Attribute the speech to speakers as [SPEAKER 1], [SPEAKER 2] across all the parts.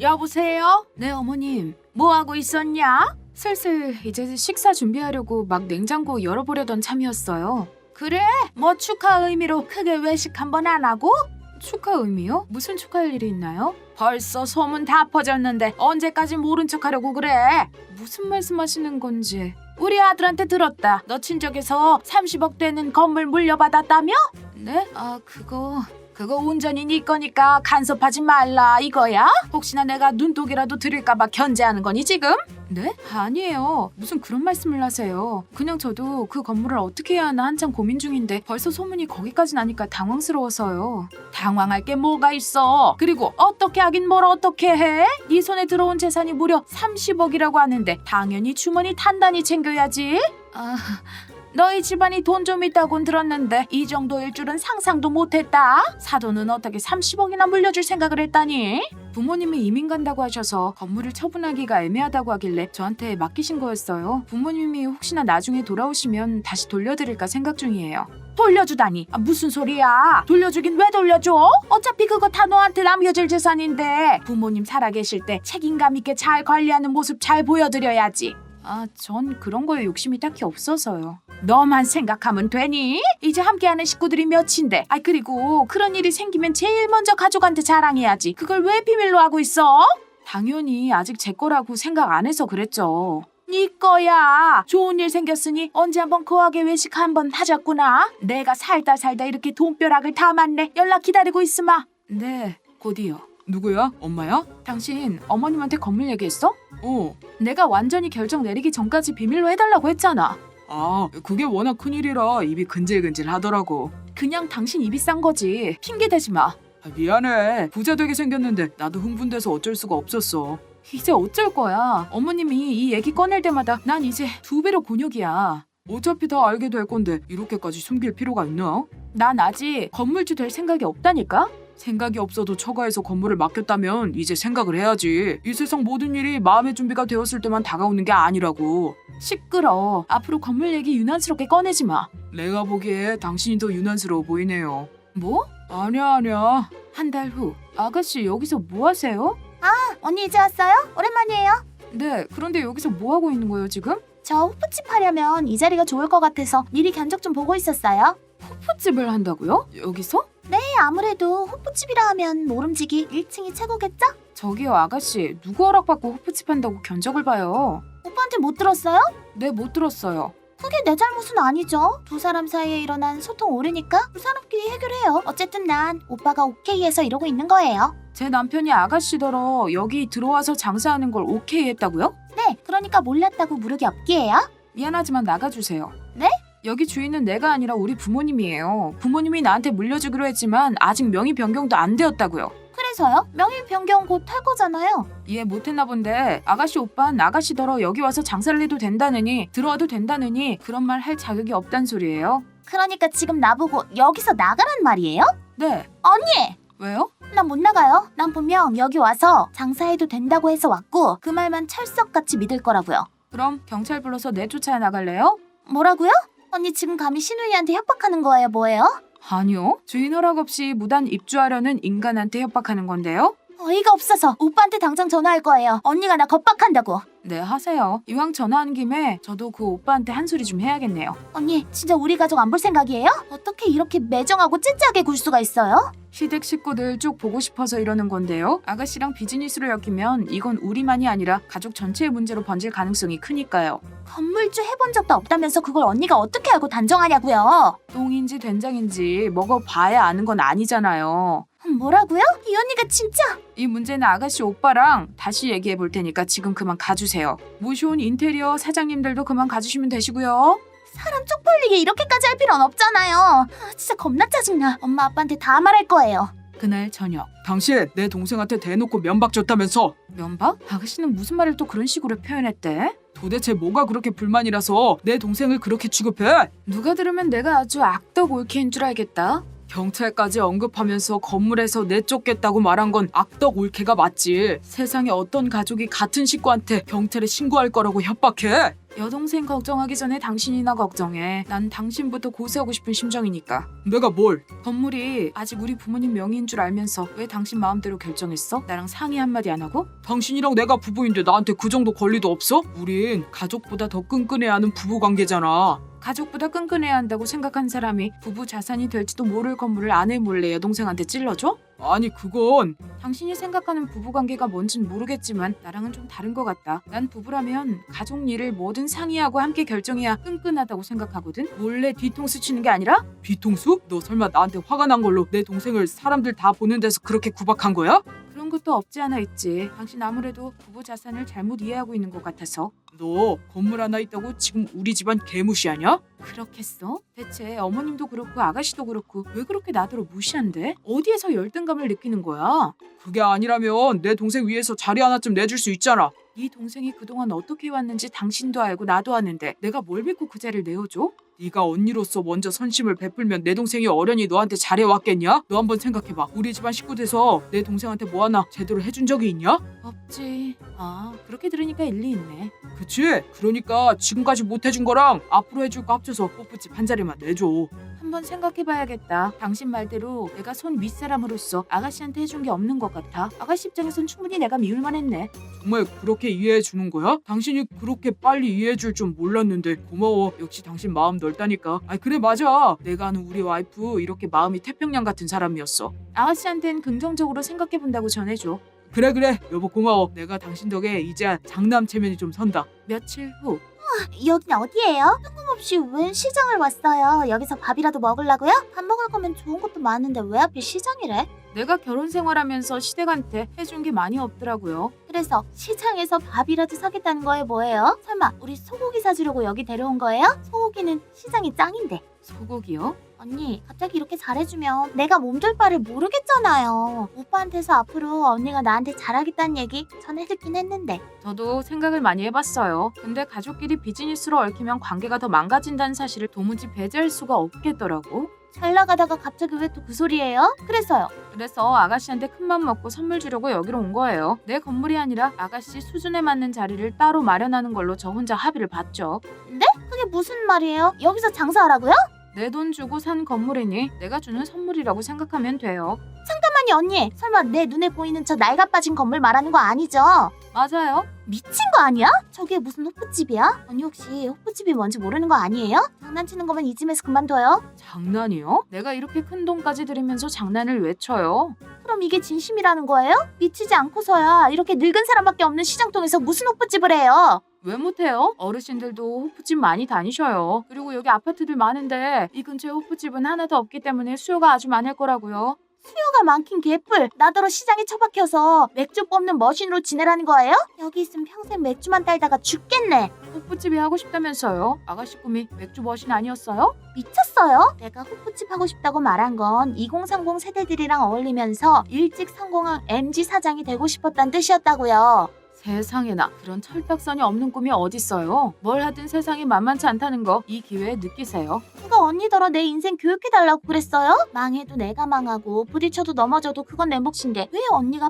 [SPEAKER 1] 여보세요? 네, 어머님. 뭐 하고 있었냐? 슬슬 이제 식사 준비하려고 막 냉장고 열어보려던 참이었어요. 그래? 뭐 축하 의미로 크게 외식 한번 안 하고? 축하 의미요? 무슨 축하할 일이 있나요? 벌써 소문 다 퍼졌는데 언제까지 모른 척하려고 그래? 무슨 말씀하시는 건지. 우리 아들한테 들었다. 너 친척에서 30억 되는 건물 물려받았다며? 네? 그거 온전히 네 거니까 간섭하지 말라 이거야? 혹시나 내가 눈독이라도 들일까봐 견제하는 거니 지금? 네? 아니에요. 무슨 그런 말씀을 하세요. 그냥 저도 그 건물을 어떻게 해야 하나 한참 고민 중인데 벌써 소문이 거기까지 나니까 당황스러워서요. 당황할 게 뭐가 있어. 그리고 어떻게 하긴 뭘 어떻게 해? 네 손에 들어온 재산이 무려 30억이라고 하는데 당연히 주머니 단단히 챙겨야지. 너희 집안이 돈 좀 있다곤 들었는데 이 정도일 줄은 상상도 못했다. 사돈은 어떻게 30억이나 물려줄 생각을 했다니? 부모님이 이민 간다고 하셔서 건물을 처분하기가 애매하다고 하길래 저한테 맡기신 거였어요. 부모님이 혹시나 나중에 돌아오시면 다시 돌려드릴까 생각 중이에요. 돌려주다니? 무슨 소리야? 돌려주긴 왜 돌려줘? 어차피 그거 다 너한테 남겨질 재산인데 부모님 살아계실 때 책임감 있게 잘 관리하는 모습 잘 보여드려야지. 전 그런 거에 욕심이 딱히 없어서요. 너만 생각하면 되니? 이제 함께하는 식구들이 몇인데. 그리고 그런 일이 생기면 제일 먼저 가족한테 자랑해야지. 그걸 왜 비밀로 하고 있어? 당연히 아직 제 거라고 생각 안 해서 그랬죠. 네 거야. 좋은 일 생겼으니 언제 한번 거하게 외식 한번 하자꾸나. 내가 살다 이렇게 돈벼락을 다 맞네. 연락 기다리고 있으마. 네, 곧이요.
[SPEAKER 2] 누구야? 엄마야?
[SPEAKER 1] 당신 어머님한테 건물 얘기했어?
[SPEAKER 2] 어.
[SPEAKER 1] 내가 완전히 결정 내리기 전까지 비밀로 해달라고 했잖아.
[SPEAKER 2] 그게 워낙 큰일이라 입이 근질근질 하더라고.
[SPEAKER 1] 그냥 당신 입이 싼 거지. 핑계 대지 마.
[SPEAKER 2] 미안해. 부자 되게 생겼는데 나도 흥분돼서 어쩔 수가 없었어.
[SPEAKER 1] 이제 어쩔 거야. 어머님이 이 얘기 꺼낼 때마다 난 이제 2배로 곤욕이야.
[SPEAKER 2] 어차피 다 알게 될 건데 이렇게까지 숨길 필요가 있나?
[SPEAKER 1] 난 아직 건물주 될 생각이 없다니까?
[SPEAKER 2] 생각이 없어도 처가에서 건물을 맡겼다면 이제 생각을 해야지. 이 세상 모든 일이 마음의 준비가 되었을 때만 다가오는 게 아니라고.
[SPEAKER 1] 시끄러. 앞으로 건물 얘기 유난스럽게 꺼내지 마.
[SPEAKER 2] 내가 보기에 당신이 더 유난스러워 보이네요.
[SPEAKER 1] 뭐?
[SPEAKER 2] 아니야.
[SPEAKER 1] 한 달 후. 아가씨 여기서 뭐 하세요?
[SPEAKER 3] 언니 이제 왔어요? 오랜만이에요.
[SPEAKER 1] 네, 그런데 여기서 뭐 하고 있는 거예요 지금?
[SPEAKER 3] 저 호프집 하려면 이 자리가 좋을 것 같아서 미리 견적 좀 보고 있었어요.
[SPEAKER 1] 호프집을 한다고요? 여기서?
[SPEAKER 3] 네, 아무래도 호프집이라 하면 모름지기 1층이 최고겠죠?
[SPEAKER 1] 저기요 아가씨, 누구 허락받고 호프집 한다고 견적을 봐요?
[SPEAKER 3] 오빠한테 못 들었어요?
[SPEAKER 1] 네, 못 들었어요.
[SPEAKER 3] 그게 내 잘못은 아니죠. 두 사람 사이에 일어난 소통 오류니까 두 사람끼리 해결해요. 어쨌든 난 오빠가 오케이 해서 이러고 있는 거예요.
[SPEAKER 1] 제 남편이 아가씨더러 여기 들어와서 장사하는 걸 오케이 했다고요?
[SPEAKER 3] 네, 그러니까 몰랐다고 무르기 없기에요.
[SPEAKER 1] 미안하지만 나가주세요.
[SPEAKER 3] 네?
[SPEAKER 1] 여기 주인은 내가 아니라 우리 부모님이에요. 부모님이 나한테 물려주기로 했지만 아직 명의 변경도 안 되었다고요.
[SPEAKER 3] 그래서요? 명의 변경 곧 할 거잖아요.
[SPEAKER 1] 이해 못했나 본데 아가씨 오빠는 아가씨더러 여기 와서 장사를 해도 된다느니 들어와도 된다느니 그런 말 할 자격이 없단 소리예요.
[SPEAKER 3] 그러니까 지금 나보고 여기서 나가란 말이에요?
[SPEAKER 1] 네.
[SPEAKER 3] 언니!
[SPEAKER 1] 왜요?
[SPEAKER 3] 난 못 나가요. 난 분명 여기 와서 장사해도 된다고 해서 왔고 그 말만 철석같이 믿을 거라고요.
[SPEAKER 1] 그럼 경찰 불러서 내쫓아 나갈래요?
[SPEAKER 3] 뭐라고요? 언니 지금 감히 신우이한테 협박하는 거예요, 뭐예요?
[SPEAKER 1] 아니요. 주인 허락 없이 무단 입주하려는 인간한테 협박하는 건데요.
[SPEAKER 3] 어이가 없어서 오빠한테 당장 전화할 거예요. 언니가 나 겁박한다고.
[SPEAKER 1] 네, 하세요. 이왕 전화한 김에 저도 그 오빠한테 한 소리 좀 해야겠네요.
[SPEAKER 3] 언니 진짜 우리 가족 안 볼 생각이에요? 어떻게 이렇게 매정하고 찌찌하게 굴 수가 있어요?
[SPEAKER 1] 시댁 식구들 쭉 보고 싶어서 이러는 건데요. 아가씨랑 비즈니스로 엮이면 이건 우리만이 아니라 가족 전체의 문제로 번질 가능성이 크니까요.
[SPEAKER 3] 건물주 해본 적도 없다면서 그걸 언니가 어떻게 알고 단정하냐고요?
[SPEAKER 1] 똥인지 된장인지 먹어봐야 아는 건 아니잖아요.
[SPEAKER 3] 뭐라고요? 이 언니가 진짜.
[SPEAKER 1] 이 문제는 아가씨 오빠랑 다시 얘기해 볼 테니까 지금 그만 가주세요. 모셔온 인테리어 사장님들도 그만 가주시면 되시고요.
[SPEAKER 3] 사람 쪽팔리게 이렇게까지 할 필요는 없잖아요. 진짜 겁나 짜증나. 엄마 아빠한테 다 말할 거예요.
[SPEAKER 1] 그날 저녁.
[SPEAKER 2] 당신 내 동생한테 대놓고 면박 줬다면서.
[SPEAKER 1] 면박? 아가씨는 무슨 말을 또 그런 식으로 표현했대?
[SPEAKER 2] 도대체 뭐가 그렇게 불만이라서 내 동생을 그렇게 취급해?
[SPEAKER 1] 누가 들으면 내가 아주 악덕 올케인 줄 알겠다.
[SPEAKER 2] 경찰까지 언급하면서 건물에서 내쫓겠다고 말한 건 악덕 올케가 맞지. 세상에 어떤 가족이 같은 식구한테 경찰에 신고할 거라고 협박해?
[SPEAKER 1] 여동생 걱정하기 전에 당신이나 걱정해. 난 당신부터 고세하고 싶은 심정이니까.
[SPEAKER 2] 내가 뭘?
[SPEAKER 1] 건물이 아직 우리 부모님 명의인 줄 알면서 왜 당신 마음대로 결정했어? 나랑 상의 한마디 안 하고?
[SPEAKER 2] 당신이랑 내가 부부인데 나한테 그 정도 권리도 없어? 우린 가족보다 더 끈끈해야 하는 부부 관계잖아.
[SPEAKER 1] 가족보다 끈끈해야 한다고 생각한 사람이 부부 자산이 될지도 모를 건물을 아내 몰래 여동생한테 찔러줘?
[SPEAKER 2] 아니 그건
[SPEAKER 1] 당신이 생각하는 부부관계가 뭔진 모르겠지만 나랑은 좀 다른 것 같다. 난 부부라면 가족 일을 뭐든 상의하고 함께 결정해야 끈끈하다고 생각하거든. 몰래 뒤통수 치는 게 아니라
[SPEAKER 2] 뒤통수? 너 설마 나한테 화가 난 걸로 내 동생을 사람들 다 보는 데서 그렇게 구박한 거야?
[SPEAKER 1] 그런 것도 없지 않아 있지. 당신 아무래도 부부 자산을 잘못 이해하고 있는 것 같아서.
[SPEAKER 2] 너 건물 하나 있다고 지금 우리 집안 개무시하냐?
[SPEAKER 1] 그렇겠어? 대체 어머님도 그렇고 아가씨도 그렇고 왜 그렇게 나더러 무시한대? 어디에서 열등감을 느끼는 거야?
[SPEAKER 2] 그게 아니라면 내 동생 위해서 자리 하나쯤 내줄 수 있잖아.
[SPEAKER 1] 네 동생이 그동안 어떻게 왔는지 당신도 알고 나도 아는데 내가 뭘 믿고 그 자리를 내어줘?
[SPEAKER 2] 네가 언니로서 먼저 선심을 베풀면 내 동생이 어련히 너한테 잘해왔겠냐? 너 한번 생각해봐. 우리 집안 식구 돼서 내 동생한테 뭐 하나 제대로 해준 적이 있냐?
[SPEAKER 1] 없지. 아, 그렇게 들으니까 일리 있네.
[SPEAKER 2] 그치? 그러니까 지금까지 못 해준 거랑 앞으로 해줄 거 합쳐서 뽀뽀집 한 자리만 내줘.
[SPEAKER 1] 한번 생각해봐야겠다. 당신 말대로 내가 손 윗사람으로서 아가씨한테 해준 게 없는 것 같아. 아가씨 입장에선 충분히 내가 미울만 했네.
[SPEAKER 2] 정말 그렇게 이해해 주는 거야? 당신이 그렇게 빨리 이해해 줄 줄 몰랐는데 고마워. 역시 당신 마음 넓다니까. 아 그래 맞아. 내가 아는 우리 와이프 이렇게 마음이 태평양 같은 사람이었어.
[SPEAKER 1] 아가씨한텐 긍정적으로 생각해본다고 전해줘.
[SPEAKER 2] 그래 여보 고마워. 내가 당신 덕에 이제야 장남 체면이 좀 선다.
[SPEAKER 1] 며칠 후.
[SPEAKER 3] 여긴 어디예요? 뜬금없이 웬 시장을 왔어요? 여기서 밥이라도 먹으려고요? 밥 먹을 거면 좋은 것도 많은데 왜 하필 시장이래?
[SPEAKER 1] 내가 결혼 생활하면서 시댁한테 해준 게 많이 없더라고요.
[SPEAKER 3] 그래서 시장에서 밥이라도 사겠다는 거예요 뭐예요? 설마 우리 소고기 사주려고 여기 데려온 거예요? 소고기는 시장이 짱인데.
[SPEAKER 1] 소고기요?
[SPEAKER 3] 언니 갑자기 이렇게 잘해주면 내가 몸둘 바를 모르겠잖아요. 오빠한테서 앞으로 언니가 나한테 잘하겠다는 얘기 전해 듣긴 했는데.
[SPEAKER 1] 저도 생각을 많이 해봤어요. 근데 가족끼리 비즈니스로 얽히면 관계가 더 망가진다는 사실을 도무지 배제할 수가 없겠더라고.
[SPEAKER 3] 잘 나가다가 갑자기 왜 또 그 소리예요? 그래서요.
[SPEAKER 1] 그래서 아가씨한테 큰맘 먹고 선물 주려고 여기로 온 거예요. 내 건물이 아니라 아가씨 수준에 맞는 자리를 따로 마련하는 걸로 저 혼자 합의를 봤죠.
[SPEAKER 3] 그게 무슨 말이에요? 여기서 장사하라고요?
[SPEAKER 1] 내 돈 주고 산 건물이니 내가 주는 선물이라고 생각하면 돼요.
[SPEAKER 3] 잠깐만요 언니. 설마 내 눈에 보이는 저 낡아 빠진 건물 말하는 거 아니죠?
[SPEAKER 1] 맞아요.
[SPEAKER 3] 미친 거 아니야? 저게 무슨 호프집이야? 언니 혹시 호프집이 뭔지 모르는 거 아니에요? 장난치는 거면 이쯤에서 그만둬요.
[SPEAKER 1] 장난이요? 내가 이렇게 큰 돈까지 들이면서 장난을 왜 쳐요?
[SPEAKER 3] 그럼 이게 진심이라는 거예요? 미치지 않고서야 이렇게 늙은 사람밖에 없는 시장통에서 무슨 호프집을 해요?
[SPEAKER 1] 왜 못해요? 어르신들도 호프집 많이 다니셔요. 그리고 여기 아파트들 많은데 이 근처에 호프집은 하나도 없기 때문에 수요가 아주 많을 거라고요.
[SPEAKER 3] 수요가 많긴 개뿔. 나더러 시장에 처박혀서 맥주 뽑는 머신으로 지내라는 거예요? 여기 있으면 평생 맥주만 딸다가 죽겠네.
[SPEAKER 1] 호프집이 하고 싶다면서요? 아가씨 꿈이 맥주 머신 아니었어요?
[SPEAKER 3] 미쳤어요? 내가 호프집 하고 싶다고 말한 건 2030 세대들이랑 어울리면서 일찍 성공한 MZ 사장이 되고 싶었다는 뜻이었다고요.
[SPEAKER 1] 세상에나 그런 철딱선이 없는 꿈이 어딨어요. 뭘 하든 세상이 만만치 않다는 거 이 기회에 느끼세요.
[SPEAKER 3] 누가 언니더러 내 인생 교육해달라고 그랬어요? 망해도 내가 망하고 부딪혀도 넘어져도 그건 내 몫인데 왜 언니가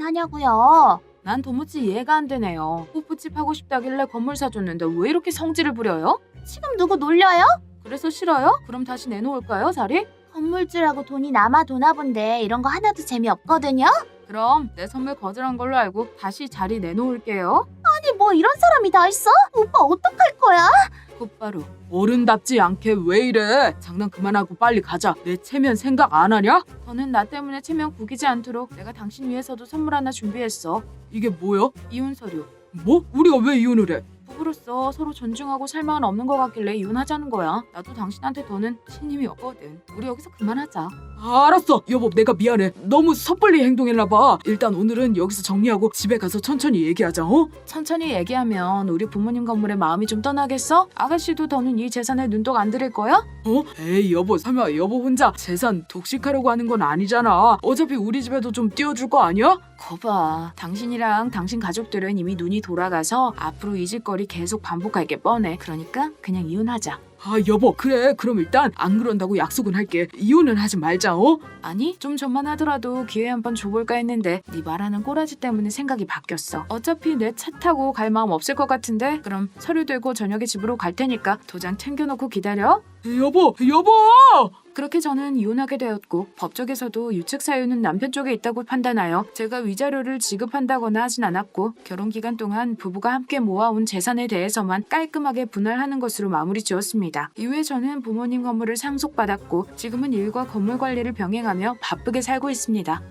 [SPEAKER 3] 판단하냐고요?
[SPEAKER 1] 난 도무지 이해가 안 되네요. 호프집 하고 싶다길래 건물 사줬는데 왜 이렇게 성질을 부려요?
[SPEAKER 3] 지금 누구 놀려요?
[SPEAKER 1] 그래서 싫어요? 그럼 다시 내놓을까요, 자리?
[SPEAKER 3] 건물주라고 돈이 남아 도나 본데 이런 거 하나도 재미없거든요?
[SPEAKER 1] 그럼 내 선물 거절한 걸로 알고 다시 자리 내놓을게요.
[SPEAKER 3] 아니 뭐 이런 사람이 다 있어? 오빠 어떡할 거야?
[SPEAKER 1] 곧바로.
[SPEAKER 2] 어른답지 않게 왜 이래? 장난 그만하고 빨리 가자. 내 체면 생각 안 하냐?
[SPEAKER 1] 더는 나 때문에 체면 구기지 않도록 내가 당신 위해서도 선물 하나 준비했어.
[SPEAKER 2] 이게 뭐야?
[SPEAKER 1] 이혼 서류.
[SPEAKER 2] 뭐? 우리가 왜 이혼을 해?
[SPEAKER 1] 부부로서 서로 존중하고 살망은 없는 것 같길래 이혼하자는 거야. 나도 당신한테 더는 신임이 없거든. 우리 여기서 그만하자.
[SPEAKER 2] 알았어. 여보 내가 미안해. 너무 섣불리 행동했나 봐. 일단 오늘은 여기서 정리하고 집에 가서 천천히 얘기하자. 어?
[SPEAKER 1] 천천히 얘기하면 우리 부모님 건물에 마음이 좀 떠나겠어? 아가씨도 더는 이 재산에 눈독 안 들일 거야?
[SPEAKER 2] 어? 에이 여보 설마 여보 혼자 재산 독식하려고 하는 건 아니잖아. 어차피 우리 집에도 좀 띄워줄 거 아니야?
[SPEAKER 1] 거봐. 당신이랑 당신 가족들은 이미 눈이 돌아가서 앞으로 잊을 거리 계속 반복할 게 뻔해. 그러니까 그냥 이혼하자.
[SPEAKER 2] 아 여보 그래 그럼 일단 안 그런다고 약속은 할게. 이혼은 하지 말자.
[SPEAKER 1] 아니 좀 전만 하더라도 기회 한번 줘볼까 했는데 네 말하는 꼬라지 때문에 생각이 바뀌었어. 어차피 내 차 타고 갈 마음 없을 것 같은데 그럼 서류 들고 저녁에 집으로 갈 테니까 도장 챙겨놓고 기다려.
[SPEAKER 2] 여보
[SPEAKER 1] 그렇게 저는 이혼하게 되었고 법적에서도 유책 사유는 남편 쪽에 있다고 판단하여 제가 위자료를 지급한다거나 하진 않았고 결혼 기간 동안 부부가 함께 모아온 재산에 대해서만 깔끔하게 분할하는 것으로 마무리 지었습니다. 이후에 저는 부모님 건물을 상속받았고 지금은 일과 건물 관리를 병행하며 바쁘게 살고 있습니다.